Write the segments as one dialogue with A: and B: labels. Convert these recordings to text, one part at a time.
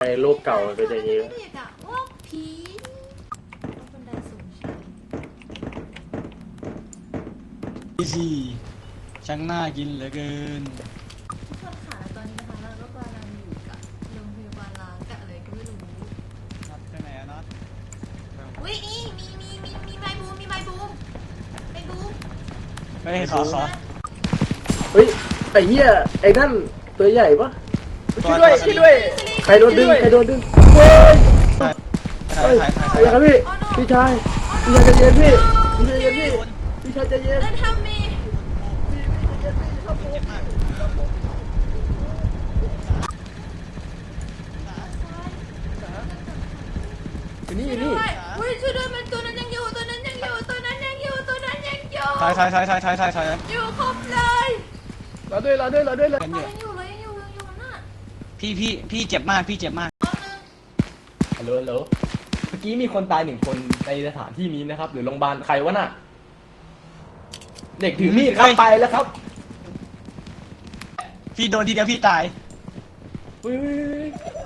A: ในโลกเก่ามันเป็นอย่างนี้
B: เด็กอะว่าผีบันไดสูงชัน
C: สิช่างน่ากินเหลือเกิน
B: ทุกคนค่ะตอนนี้นะคะเราก็กำลังอยู่กับโรงพยาบาลล้างกับอะไรก็ไม่รู้
C: นัดไปไหนอะนัด
B: อุ้ยนี่มีไม้บูมไม้บูม
C: เฮ้ยขอ
A: เฮ้ยไอ้เหี้ยไอ้นั่นตัวใหญ่ปะช่วยด้วยช่วยด้วยใครโดนดึงเฮ้ยเฮ้ย
C: ถ่าย
A: อะไรครับพี่พี่ชายใจเย็นพี่พี่ชายใจเย็น
B: เล่นทำมี
A: อยู่นี่
B: ด้วยอุ้ยช่วยด้วยมันตัวนั้นยังอยู่ตัวนั้นยังอยู่อยู่ครบเลย
A: รอด้วย
B: ยังอยู่น่ะ
C: พี่เจ็บมาก
A: ฮัลโหลเมื่อกี้มีคนตาย1 คนในสถานที่นี้นะครับหรือโรงพยาบาลใครวะน่ะเด็กถือมีดครับไปแล้วครับ
C: พี่โดนทีเดียวพี่ตาย
A: เฮ้ย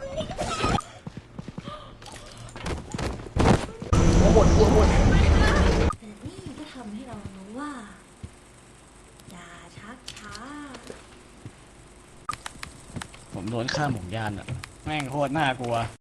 A: หัวหมด
B: แต่นี่ก็ทำให้เรารู้ว่าอย่าชักช้า
C: ผมโดนฆ่าหมกยานอะแม่งโคตรน่ากลัว